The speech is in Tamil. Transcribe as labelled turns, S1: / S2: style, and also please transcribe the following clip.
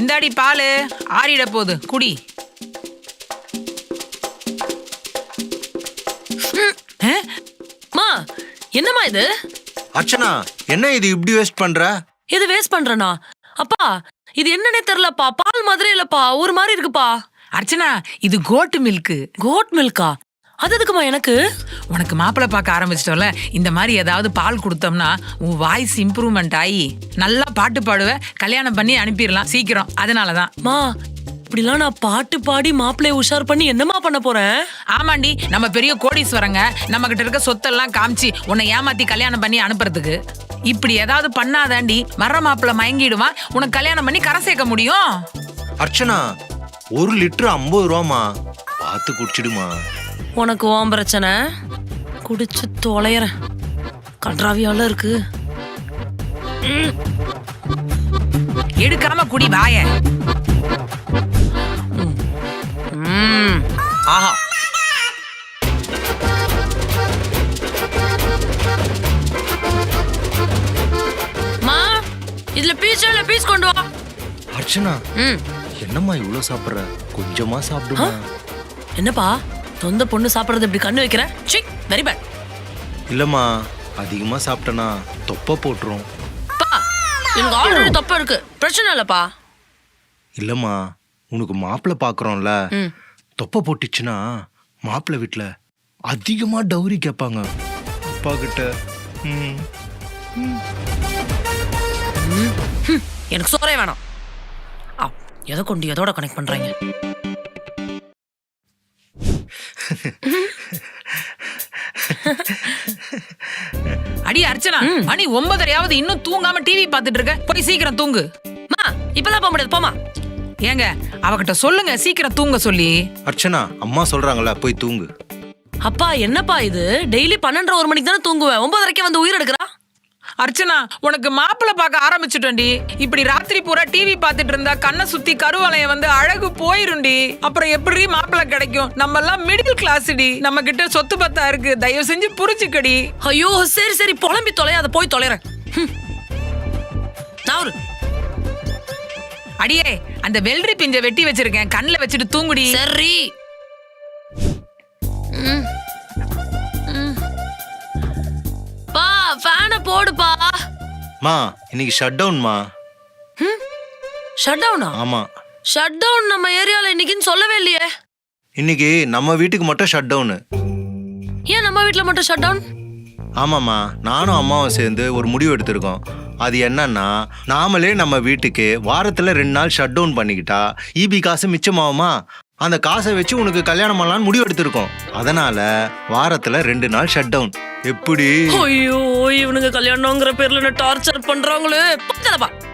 S1: இந்தாடி பாலு ஆறிட போகுது குடி.
S2: மா என்னம்மா இது?
S3: அர்ச்சனா, என்ன இது இப்படி வேஸ்ட் பண்ற?
S2: இது வேஸ்ட் பண்றனா? அப்பா இது என்னன்னே தெரியலப்பா. பால் மாதிரி இல்லப்பா, ஒரு மாதிரி இருக்குப்பா.
S1: அர்ச்சனா, இது கோட்டு மில்க்.
S2: கோட் மில்கா? அது எதுக்குமா எனக்கு?
S1: உனக்கு மாப்பிள்ளை பார்க்க ஆரம்பிச்சிட்டோம்ல, இந்த மாதிரி ஏதாவது பால் கொடுத்தோம்னா உன் வாய்ஸ் இம்ப்ரூவ்மெண்ட் ஆகி நல்லா பாட்டு பாடுவ, கல்யாணம் பண்ணி அனுப்பிடலாம் சீக்கிரம். அதனாலதான்.
S2: மா இப்படிலாம் நான் பாட்டு பாடி மாப்பிள்ளைய உஷார் பண்ணி என்னமா பண்ண போறேன்?
S1: ஆமாண்டி, நம்ம பெரிய கோடீஸ்வரங்க, நம்ம கிட்ட இருக்க சொத்தெல்லாம் காமிச்சு உன்னை ஏமாத்தி கல்யாணம் பண்ணி அனுப்புறதுக்கு. இப்படி ஏதாவது பண்ணாதாண்டி வர்ற மாப்பிள்ளை மயங்கிடுவான், உனக்கு கல்யாணம் பண்ணி கரை சேர்க்க முடியும்.
S3: அர்ச்சனா, 1 லிட்டர் 50 ரூபாமா, பார்த்து குடிச்சிடுமா.
S2: உனக்கு ஓம் பிரச்சனை, குடிச்சு தொலைறேன். கன்றாவியால இருக்கு.
S1: எடுக்காம குடி வாய.
S2: ஆஹா, மா இதுல பீஸ் கொண்டு வா.
S3: அர்ச்சனா, என்னம்மா இவ்வளவு சாப்பிடுற? கொஞ்சமா சாப்பிடுமா.
S2: என்னப்பா சொந்த பொண்ணு சாப்பிடுறது இப்படி கண்ணு வைக்கிற? சி, வெரி பேட்.
S3: இல்லம்மா, அதிகமா சாப்பிட்டனா தொப்பை போட்டுரும்.
S2: பா எனக்கு ஆல்ரெடி தொப்பை இருக்கு, பிரச்சனை இல்லப்பா.
S3: இல்லம்மா, உனக்கு மாப்பிள்ளை பாக்குறோம்ல, தொப்பை போட்டுச்சுன்னா மாப்பிள்ளை வீட்டுல அதிகமா டௌரி கேட்பாங்க அப்பா கிட்ட.
S2: எனக்கு சோறே வேணாம். எதை கொண்டு எதோட கனெக்ட் பண்றாங்க?
S1: அடி அர்ச்சனா, மணி 9:30 இன்னும் தூங்காம டிவி பாத்துட்டு இருக்க. போய் சீக்கிரம் தூங்கு.
S2: மா இப்பெல்லாம் போக முடியாது, போமா.
S1: ஏங்க அவகிட்ட சொல்லுங்க சீக்கிரம் தூங்க சொல்லி.
S3: அர்ச்சனா, அம்மா சொல்றாங்கல்ல, போய் தூங்கு.
S2: அப்பா என்னப்பா இது? டெய்லி 12:30 1 மணிக்கு தானே தூங்குவேன், 9:30 வந்து உயிர் எடுக்கிறா.
S1: அர்ச்சனா, உனக்கு மாப்பிள்ளை பார்க்க ஆரம்பிச்சுட்டோண்டி. இப்படி ராத்திரி பூரா டிவி பார்த்துட்டு இருந்தா கண்ணை சுத்தி கருவளையம் வந்து அழகு போயிருண்டி. அப்புறம் எப்படி மாப்பிள்ளை கிடைக்கும்? நம்ம எல்லாம் மிடில் கிளாஸ்டி, நம்ம கிட்ட சொத்து பத்தா இருக்கு. தயவு செஞ்சு புரிச்சுக்கடி.
S2: ஐயோ சரி சரி, புலம்பி தொலையாத, போய் தொலைறேன். நான்
S1: அடியே, அந்த வெள்ளரி பிஞ்ச வெட்டி வச்சிருக்கேன், கண்ணில் வச்சுட்டு தூங்குடி.
S2: சரி. பா ஃபேனை போடுப்பா.
S3: மா, இன்னைக்கு ஷட் டவுன்மா.
S2: ஷட் டவுனா?
S3: ஆமா,
S2: ஷட் டவுன் நம்ம ஏரியால இன்னைக்குன்னு சொல்லவே இல்லையே.
S3: இன்னைக்கு நம்ம வீட்டுக்கு மட்டும் ஷட் டவுனு.
S2: ஏன் நம்ம வீட்டுல மட்டும் ஷட் டவுன்?
S3: ஆமாம்மா, நானும் அம்மாவும் சேர்ந்து ஒரு முடிவு எடுத்திருக்கோம். அது என்னன்னா, நாமளே நம்ம வீட்டுக்கு வாரத்துல 2 நாள் ஷட் டவுன் பண்ணிக்கிட்டா ஈபி காசு மிச்சமாகுமா? அந்த காசை வச்சு உனக்கு கல்யாணம் பண்ணலான்னு முடிவு எடுத்திருக்கோம். அதனால வாரத்துல 2 நாள் ஷட் டவுன். எப்படி?
S2: ஐயோ, இவனுங்க கல்யாணம்ங்கிற பேர்ல என்ன டார்ச்சர் பண்றாங்களே. பக்கலப்பா